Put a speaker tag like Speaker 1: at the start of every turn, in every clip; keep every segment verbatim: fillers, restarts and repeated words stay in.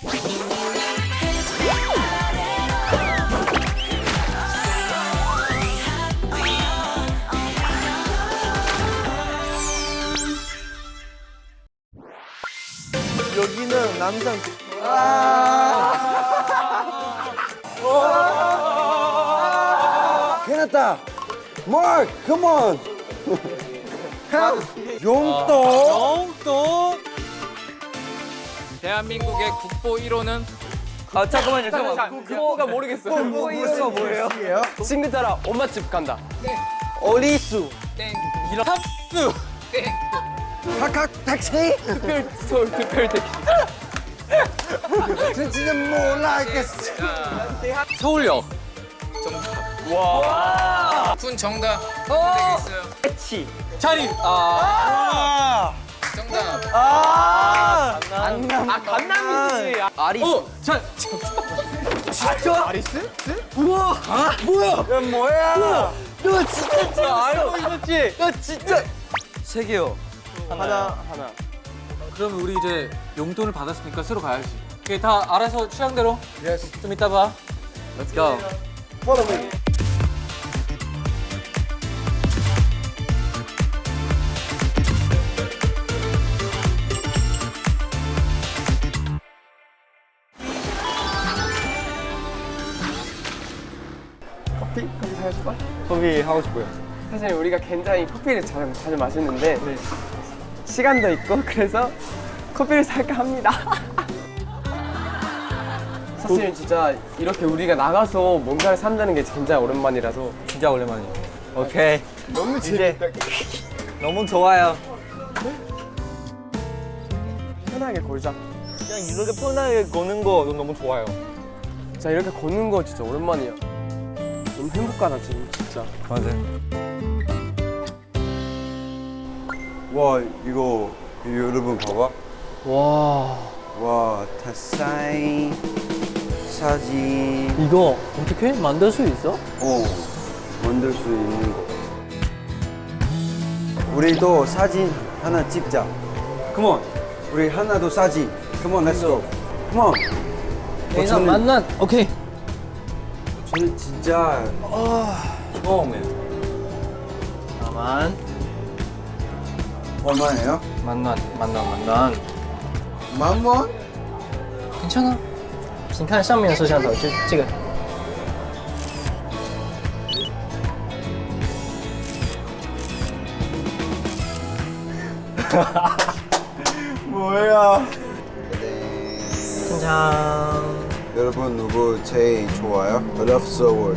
Speaker 1: 여기는 남산. 아 괜찮다. 마크, come on. 용돈.
Speaker 2: 용돈. 대한민국의 국보 일 호는
Speaker 3: 아 잠깐만요 잠깐만 그거가 모르겠어요. 그거 이유가 뭐예요? 친구 따라 엄마집 간다.
Speaker 1: 어리수.
Speaker 2: 땡.
Speaker 3: 이런
Speaker 2: 탑수. 땡.
Speaker 1: 각각 택시.
Speaker 3: 특별 서울 특별 택시.
Speaker 1: 저 진짜 몰라겠어.
Speaker 2: 서울역. 정답. 와. 군 정답. 되겠어요.
Speaker 3: 택시.
Speaker 2: 자리. 아. 정답.
Speaker 1: 아.
Speaker 3: 강남. 아 강남이지. 아리수.
Speaker 2: 어, 자,
Speaker 1: 진짜? 아리스? 우와. 아 뭐야? 야 뭐야? 우와. 너 진짜 진짜
Speaker 3: 알고 있었지?
Speaker 1: 너 진짜 세 개요.
Speaker 3: 하나 하나.
Speaker 2: 그럼 우리 이제 용돈을 받았으니까 쓰러 가야지. 오케이, 다 알아서 취향대로.
Speaker 1: Yes.
Speaker 2: 좀 이따 봐. Let's go.
Speaker 1: Follow me.
Speaker 3: 커피? 커피 사고 싶어? 커피 하고 싶고요. 사실 우리가 굉장히 커피를 잘, 자주 마시는데 시간도 있고 그래서 커피를 살까 합니다. 사실은 진짜 이렇게 우리가 나가서 뭔가를 산다는 게 굉장히 오랜만이라서
Speaker 1: 진짜 오랜만이에요. 오케이. 너무 재밌다. 너무 좋아요.
Speaker 3: 편하게 걸자.
Speaker 1: 그냥 이렇게 편하게 거는 거 너무 좋아요.
Speaker 3: 자 이렇게 걷는 거 진짜 오랜만이야. 너무 행복하다 지금 진짜.
Speaker 1: 맞아. 와 이거 여러분 봐봐.
Speaker 3: 와
Speaker 1: 와 타사이 사진.
Speaker 3: 이거 어떻게 만들 수 있어?
Speaker 1: 어 만들 수 있는 거. 우리도 사진 하나 찍자. Come on. 우리 하나도 사진. Come on, let's go. Come on.
Speaker 3: 여기서
Speaker 1: 저는-
Speaker 3: 만난. 오케이.
Speaker 1: 저는 진짜 아 처음이에요.
Speaker 3: 나만
Speaker 1: 얼마예요?
Speaker 3: 만난 만난 만난.
Speaker 1: 만 원?
Speaker 3: 괜찮아. 请看上面的摄像头，就这个。
Speaker 1: 뭐야?
Speaker 3: 짠.
Speaker 1: 여러분 누구 제일 좋아요? I love Seoul.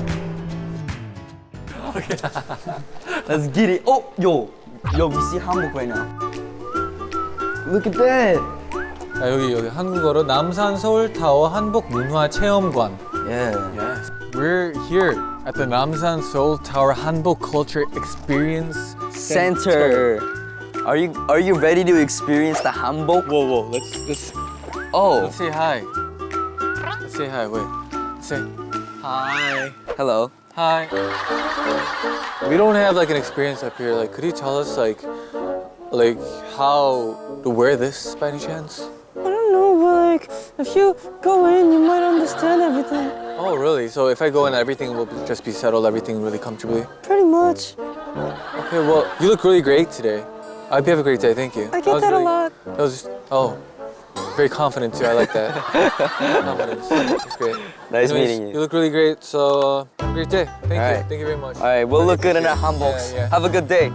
Speaker 4: Let's get it. Oh, yo, yo, we see Hamburg right now. Look at that.
Speaker 2: 자, 여기 여기 한국어로 남산 서울타워 한복 문화 체험관.
Speaker 4: Yeah.
Speaker 2: Yes. We're here at the Namsan Seoul Tower Hanbok Culture Experience
Speaker 4: Center. Are you are you ready to experience the Hamburg?
Speaker 2: Whoa, whoa. Let's let's
Speaker 4: Oh,
Speaker 2: let's say hi. Let's say hi. Wait. Say hi.
Speaker 4: hello.
Speaker 2: Hi. We don't have like an experience up here. Like, could you tell us like, like how to wear this by any chance?
Speaker 5: I don't know, but like, if you go in, you might understand everything.
Speaker 2: Oh, really? So if I go in, everything will be, just be settled, everything really comfortably.
Speaker 5: Pretty much.
Speaker 2: Okay. Well, you look really great today. I hope you have a great day. Thank you.
Speaker 5: I get
Speaker 2: was
Speaker 5: that a
Speaker 2: really-
Speaker 5: lot.
Speaker 2: That was just, oh, very confident too. I like that. Confidence. That's great.
Speaker 4: Nice
Speaker 2: Anyways,
Speaker 4: meeting you.
Speaker 2: You look really great. So uh, have a great day. Thank you.
Speaker 4: Alright.
Speaker 2: Thank you very much.
Speaker 4: All right, we'll look good in our Hamburgs.
Speaker 2: Yeah, yeah.
Speaker 4: Have a good day.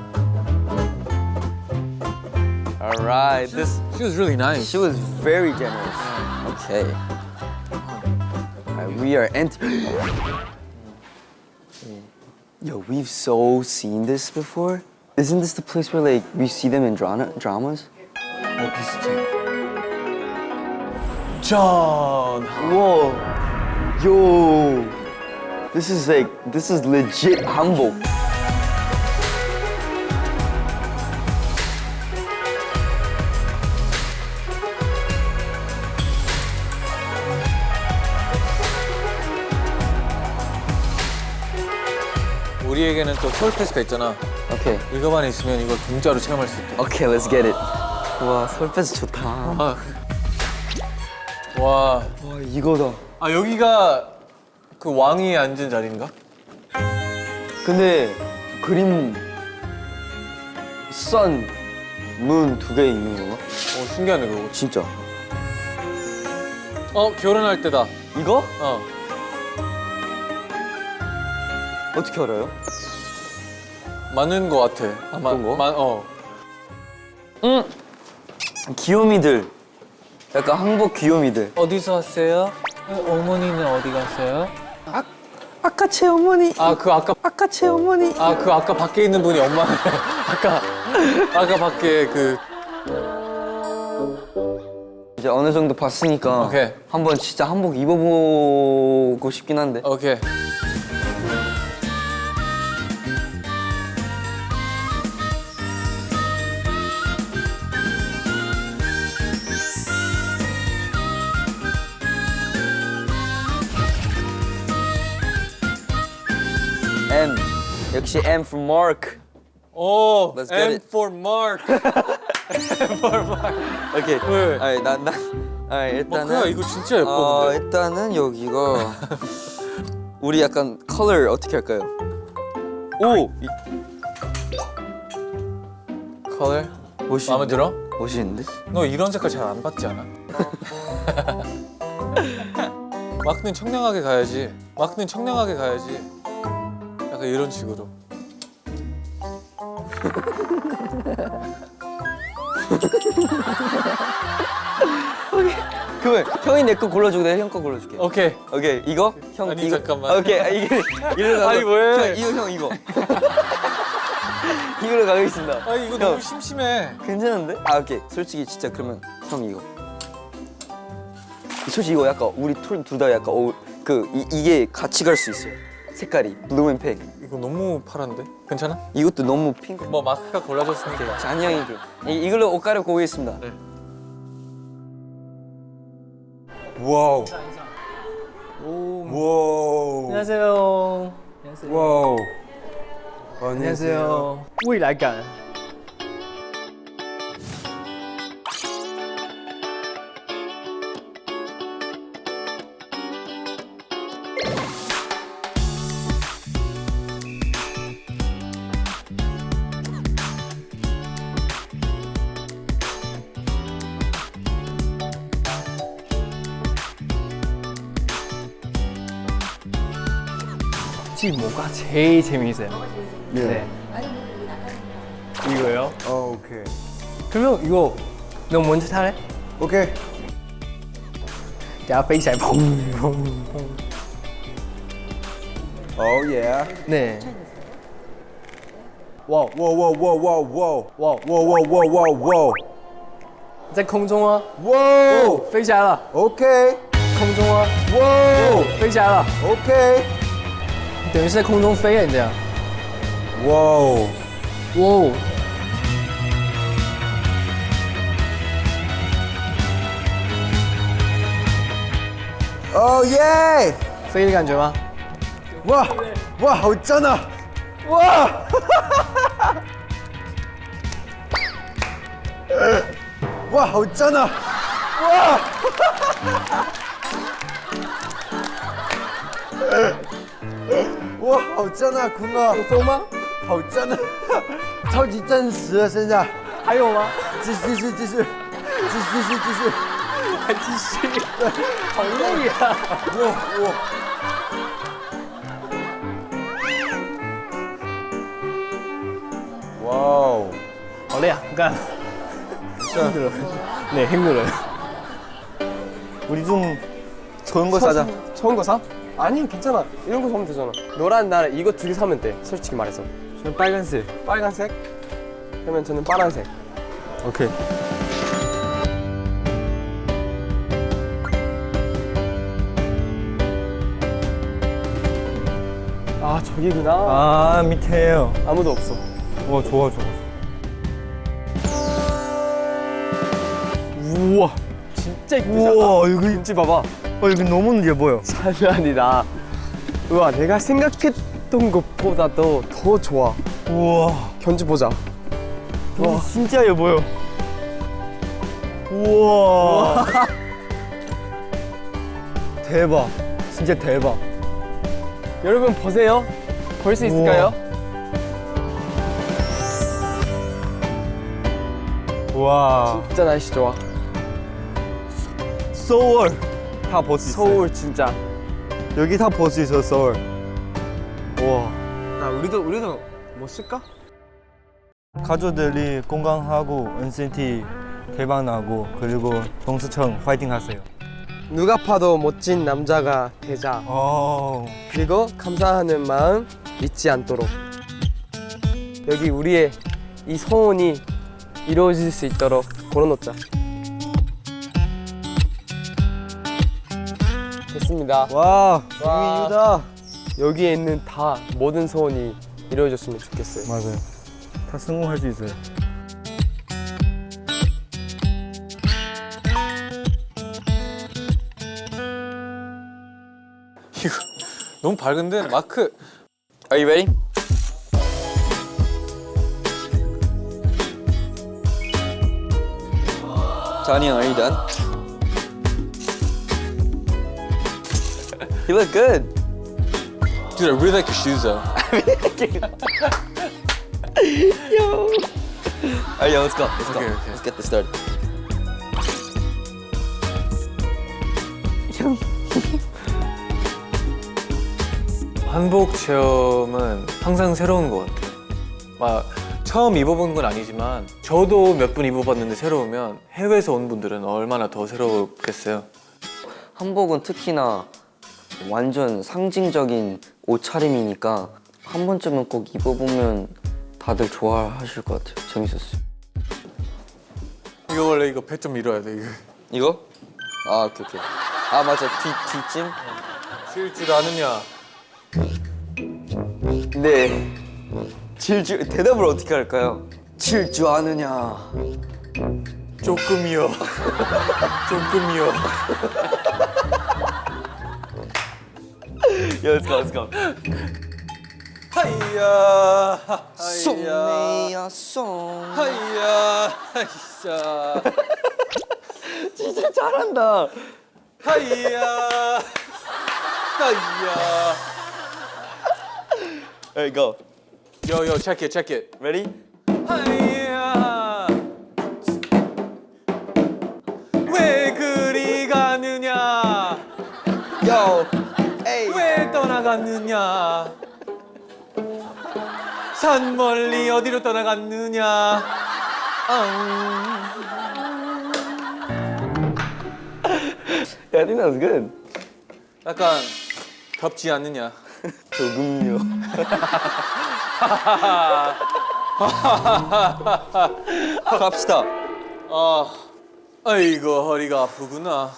Speaker 4: All right, this
Speaker 2: She was really nice.
Speaker 4: she was very generous. Okay. All right, we are entering. Yo, we've so seen this before. Isn't this the place where like we see them in drama dramas?
Speaker 2: 어, 비슷해.
Speaker 4: John. Whoa. Yo. This is like this is legit Hamburg.
Speaker 2: 우리에게는 또 서울 패스가 있잖아.
Speaker 4: Okay.
Speaker 2: 이거만 있으면 이걸 공짜로 체험할 수 있대.
Speaker 4: Okay, let's get it. 와, 서울 패스 좋다.
Speaker 2: 아. 와.
Speaker 4: 와 이거다.
Speaker 2: 아 여기가 그 왕이 앉은 자리인가?
Speaker 4: 근데 그림 선, 문 두 개 있는 건가?
Speaker 2: 어 신기하네 그거.
Speaker 4: 진짜.
Speaker 2: 어 결혼할 때다.
Speaker 4: 이거?
Speaker 2: 어.
Speaker 4: 어떻게 알아요?
Speaker 2: 맞는 거 같아. 아마.
Speaker 4: 그런 거?
Speaker 2: 마, 어.
Speaker 4: 응. 귀요미들. 약간 한복 귀요미들.
Speaker 2: 어디서 왔어요? 어머니는 어디 갔어요?
Speaker 5: 아까 제 어머니.
Speaker 2: 아 그 아까
Speaker 5: 아까 제 어머니.
Speaker 2: 아 그 아까 밖에 있는 분이 엄마. 아까 아까 밖에 그.
Speaker 4: 이제 어느 정도 봤으니까
Speaker 2: 오케이.
Speaker 4: 한번 진짜 한복 입어보고 싶긴 한데.
Speaker 2: 오케이.
Speaker 4: M. 역시 M for Mark.
Speaker 2: 오.
Speaker 4: Let's get
Speaker 2: M
Speaker 4: it.
Speaker 2: for Mark. M for Mark.
Speaker 4: 오케이.
Speaker 2: 왜?
Speaker 4: 아니 난 난. 아니 일단은.
Speaker 2: 마크야 이거 진짜 예뻐
Speaker 4: 어,
Speaker 2: 근데.
Speaker 4: 일단은 여기가 우리 약간 컬러 어떻게 할까요? 오. 이,
Speaker 2: 컬러?
Speaker 4: 멋있는데?
Speaker 2: 마음에 들어?
Speaker 4: 멋있는데?
Speaker 2: 너 이런 색깔 잘 안 받지 않아? 마크는 청량하게 가야지. 마크는 청량하게 가야지. 약간 이런 식으로.
Speaker 4: 그러면 형이 내 거 골라주고 내가 형 거 골라줄게.
Speaker 2: 오케이.
Speaker 4: 오케이 이거 형
Speaker 2: 아니,
Speaker 4: 이거.
Speaker 2: 잠깐만.
Speaker 4: 아, 오케이 아, 이게 이걸로 가고.
Speaker 2: 아니, 왜?
Speaker 4: 형, 이거 형 이거. 이걸로 가겠습니다.
Speaker 2: 아 이거
Speaker 4: 형,
Speaker 2: 너무 심심해.
Speaker 4: 괜찮은데? 아 오케이 솔직히 진짜 그러면 형 이거. 솔직히 이거 약간 우리 둘 다 약간 어, 그 이, 이게 같이 갈 수 있어요. 색깔이 블루앤팩.
Speaker 2: 이거 너무 파란데? 괜찮아?
Speaker 4: 이것도 너무 핑크.
Speaker 2: 뭐 마크가 골라줬으니까.
Speaker 4: 잔이 형이 그 이, 이걸로 옷 갈아입고 오겠습니다.
Speaker 2: 네.
Speaker 1: 와우. 와우.
Speaker 5: 안녕하세요.
Speaker 1: 와우.
Speaker 5: 안녕하세요. 未来感. 혹시 뭐가 제일 재미있어요? 네. 이거요?
Speaker 1: 어, 오케이.
Speaker 5: 그러면 이거 너 먼저 타래?
Speaker 1: 오케이.
Speaker 5: 等下飞起来，砰砰砰。
Speaker 1: 오, 예.
Speaker 5: 네. 와,
Speaker 1: 와와와와와와.
Speaker 5: 와,
Speaker 1: 와와와와와.
Speaker 5: 在空中啊，
Speaker 1: 와우.
Speaker 5: 飞起来了，
Speaker 1: 오케이.
Speaker 5: 空中啊，
Speaker 1: 와우.
Speaker 5: 飞起来了，
Speaker 1: 오케이.
Speaker 5: 等于是在空中飞了，你这样。
Speaker 1: 와우.
Speaker 5: 哇哦，
Speaker 1: 오, 예.
Speaker 5: 飞的感觉吗？
Speaker 1: 와, 와, 好真啊！哇，哇，好真啊！哇，哇，好真啊，坤哥，
Speaker 5: 有风吗？
Speaker 1: 好真啊，超级真实啊！现在，
Speaker 5: 还有吗？
Speaker 1: 继续，继续，继续，继续，继续，继续，
Speaker 5: 还继续，好累呀、
Speaker 1: 哇哇！ 와우.
Speaker 5: 好累啊，不干了。 힘들어. 네, 힘들어요.
Speaker 4: 우리 좀 좋은 거 사자.
Speaker 3: 좋은 거 사? 아니 괜찮아. 이런 거 사면 되잖아. 너랑 나랑 이거 두 개 사면 돼. 솔직히 말해서.
Speaker 5: 저는 빨간색.
Speaker 3: 빨간색? 그러면 저는 파란색.
Speaker 5: 오케이.
Speaker 3: 아 저기구나.
Speaker 5: 아, 밑에요.
Speaker 3: 아무도 없어.
Speaker 5: 와, 좋아, 좋아. 우와, 진짜 이쁘잖아.
Speaker 3: 우와 여기 진짜 봐봐.
Speaker 5: 어, 여기 너무 예뻐요.
Speaker 3: 장난이다. 우와 내가 생각했던 것보다도 더 좋아.
Speaker 5: 우와,
Speaker 3: 견지 보자.
Speaker 5: 여기 진짜 예뻐요. 우와.
Speaker 4: 대박. 진짜 대박.
Speaker 3: 여러분 보세요. 볼 수 있을까요?
Speaker 4: 와.
Speaker 3: 진짜 날씨 좋아.
Speaker 4: 서울 다 볼 수 있어.
Speaker 3: 서울 진짜.
Speaker 4: 여기 다 볼 수 있어 서울. 와.
Speaker 3: 나 우리도 우리도 뭐 쓸까?
Speaker 4: 가족들이 건강하고 엔시티 대박 나고 그리고 동수청 화이팅 하세요.
Speaker 3: 누가 봐도 멋진 남자가 되자.
Speaker 4: 어.
Speaker 3: 그리고 감사하는 마음 잊지 않도록. 여기 우리의 이 소원이 이루어질 수 있도록 걸어놓자. 됐습니다.
Speaker 4: 와.
Speaker 3: 와.
Speaker 4: 이유다.
Speaker 3: 여기에 있는 다 모든 소원이 이루어졌으면 좋겠어요.
Speaker 4: 맞아요. 다 성공할 수 있어요.
Speaker 2: 이거 너무 밝은데 마크.
Speaker 1: Are you ready? Johnny, are you done? You look good.
Speaker 2: Dude, I really like your shoes though.
Speaker 1: Yo. Alright, yo, let's go. Let's go.
Speaker 2: Okay, okay.
Speaker 1: Let's get this started.
Speaker 2: 한복 체험은 항상 새로운 것 같아요. 막 처음 입어본 건 아니지만 저도 몇 분 입어봤는데 새로우면 해외에서 온 분들은 얼마나 더 새롭겠어요.
Speaker 6: 한복은 특히나 완전 상징적인 옷차림이니까 한 번쯤은 꼭 입어보면 다들 좋아하실 것 같아요. 재밌었어요.
Speaker 2: 이거 원래 이거 배 좀 밀어야 돼 이거.
Speaker 1: 이거? 아, 오케이, 오케이. 아, 맞아. 뒤, 뒤찜?
Speaker 2: 칠 줄 아느냐?
Speaker 6: 네. 질 줄, 대답을 어떻게 할까요? 질 줄 아느냐?
Speaker 2: 조금이요. 조금이요.
Speaker 6: Yeah, let's go, let's go.
Speaker 2: 하이야. 하이야.
Speaker 6: 송내야 송.
Speaker 2: 하이야. 하이야.
Speaker 6: 진짜 잘한다.
Speaker 2: 하이야. 하이야.
Speaker 6: There you go.
Speaker 2: Yo, yo, check it, check it.
Speaker 6: Ready?
Speaker 2: 하이야. 왜 그리 가느냐?
Speaker 6: Yo. Hey.
Speaker 2: 왜 떠나갔느냐? 산 멀리 어디로 떠나갔느냐?
Speaker 6: Yeah, I think that was good.
Speaker 2: 약간 덥지 않느냐?
Speaker 6: 조금요.
Speaker 1: 갑시다.
Speaker 2: 아, 아이고 허리가 아프구나.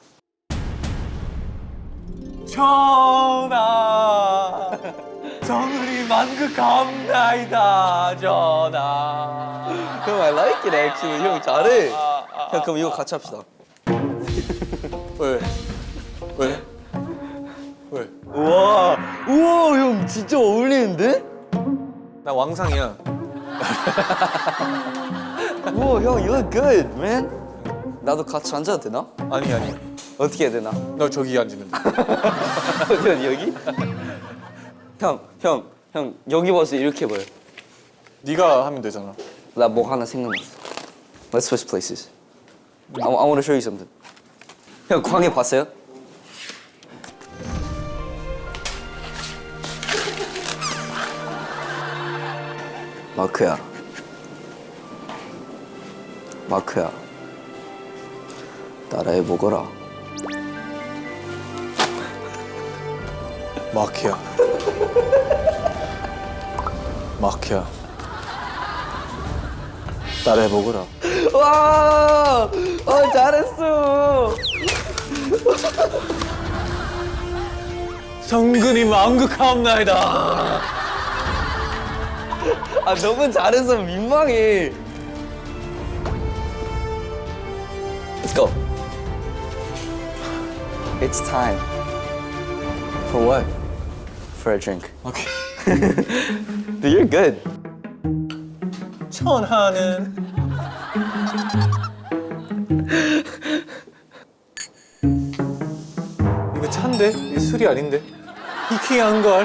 Speaker 2: 전하, 정을이 만극합나이다, 전하.
Speaker 1: 형, I like it actually. 형 잘해. 형, 그럼 이거 같이 합시다.
Speaker 2: 왜? 왜? 왜?
Speaker 6: 우와, 우와, 형 진짜 어울리는데?
Speaker 2: 나 왕상이야.
Speaker 6: 우와, 형, you look good, man.
Speaker 1: 나도 같이 앉아도 되나?
Speaker 2: 아니 아니.
Speaker 6: 어떻게 해야 되나?
Speaker 2: 너 저기 앉으면 돼.
Speaker 6: 어디 어디 여기? 형, 형, 형 여기 봐서 이렇게 해봐요.
Speaker 2: 네가 하면 되잖아.
Speaker 6: 나 뭐 하나 생각났어. Let's switch places. I, I want to show you something. 형 광해 봤어요? 마크야. 마크야. 따라해보거라.
Speaker 2: 마키야. 마키야. 따라해보거라.
Speaker 6: 와! 어, 잘했어!
Speaker 2: 성근이 만극하옵나이다.
Speaker 6: 아, 너무 잘해서 민망해. Let's go. It's time. For what? For a drink.
Speaker 2: 오케이.
Speaker 6: Dude, you're good.
Speaker 2: 천하는 이거 이거 찬데? 이게 술이 아닌데? 히킹한 걸?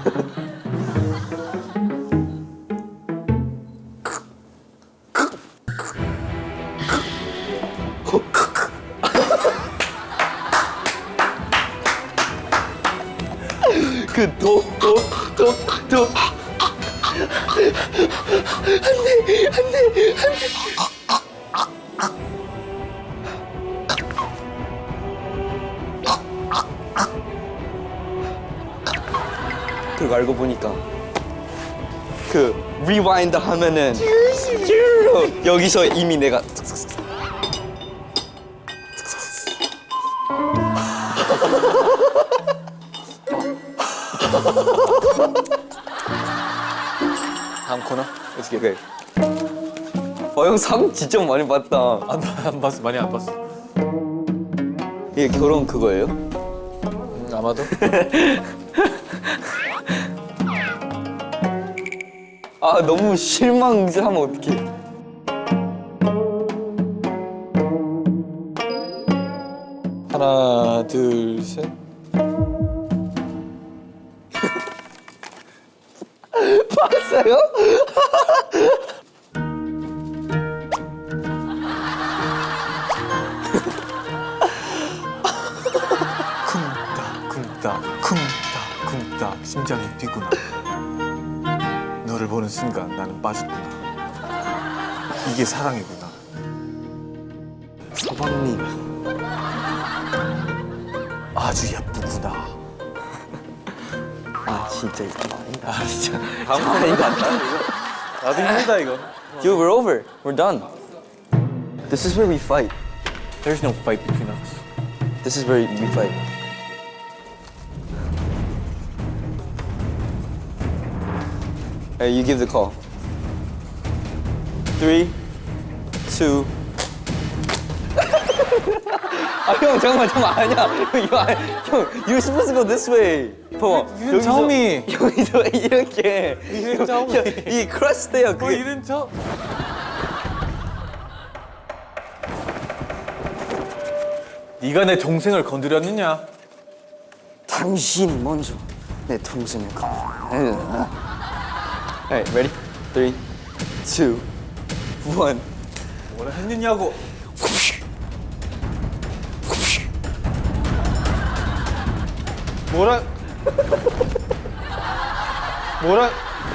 Speaker 6: 그독독독독 그리고 알고 보니까 그 리와인드 하면은 여기서 이미 내가
Speaker 2: 다음 코너? Let's get
Speaker 6: 오케이. 어, 형 상 진짜 많이 봤다.
Speaker 2: 안, 안 봤어. 많이 안 봤어.
Speaker 6: 이게 결혼 그거예요?
Speaker 2: 음, 아마도?
Speaker 6: 아 너무 실망하면 어떡해.
Speaker 2: 하나, 둘, 셋.
Speaker 6: 봤어요?
Speaker 2: 쿵따, 쿵따, 쿵따, 쿵따. 심장이 뛰구나. 너를 보는 순간 나는 빠졌구나. 이게 사랑이구나.
Speaker 6: 서방님.
Speaker 2: 아주 예쁘구나.
Speaker 6: 아 진짜 이거 아니다.
Speaker 2: 아 진짜.
Speaker 6: 아니다.
Speaker 2: 나도 힘들다 이거.
Speaker 6: Dude, we're over. We're done. This is where we fight.
Speaker 2: There's no fight between us.
Speaker 6: This is where we fight. Hey, you give the call. Three, two. 아, 형, 잠깐만, 잠깐만, 아니야. 형, 이거 아니, 형, you're supposed to go this way. 봐봐.
Speaker 2: 이건 처음이.
Speaker 6: 여기서 이렇게.
Speaker 2: 이건 처음이.
Speaker 6: 형, 이 크러스트야,
Speaker 2: 뭐
Speaker 6: 그게.
Speaker 2: 이런 저. 네가 내 동생을 건드렸느냐?
Speaker 6: 당신이 먼저 내 동생을 건드려. Hey, ready? Three, two, one.
Speaker 2: 뭐라 했느냐고. 뭐라? 뭐라?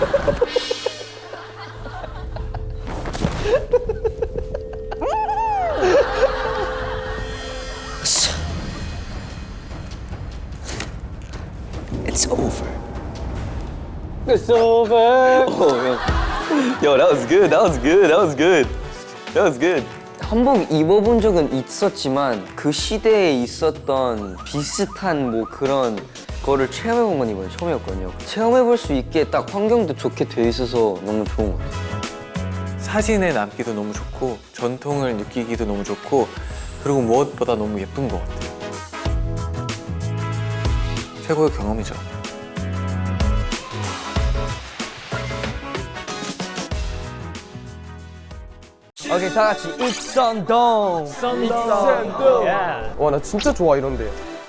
Speaker 6: It's over.
Speaker 3: It's over.
Speaker 6: Oh, yo. Yo, that was good. That was good. That was good. That was good. 한복 입어본 적은 있었지만 그 시대에 있었던 비슷한 뭐 그런 거를 체험해본 건 이번에 처음이었거든요. 체험해볼 수 있게 딱 환경도 좋게 돼 있어서 너무 좋은 것 같아요.
Speaker 2: 사진에 남기도 너무 좋고 전통을 느끼기도 너무 좋고 그리고 무엇보다 너무 예쁜 것 같아요. 최고의 경험이죠.
Speaker 6: 오케이, 다 같이 익선동.
Speaker 3: 와, 나 진짜 좋아 이런데.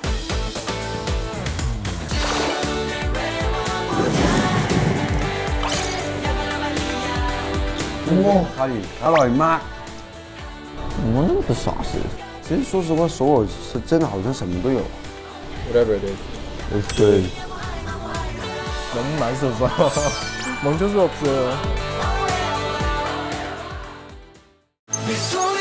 Speaker 1: 咖喱，阿老妈，我那么傻事。其实说实话，首尔是真的好像什么都有。Whatever it is.对。
Speaker 3: 너무 맛있었어. 멈출 수 없어요.
Speaker 1: 내 손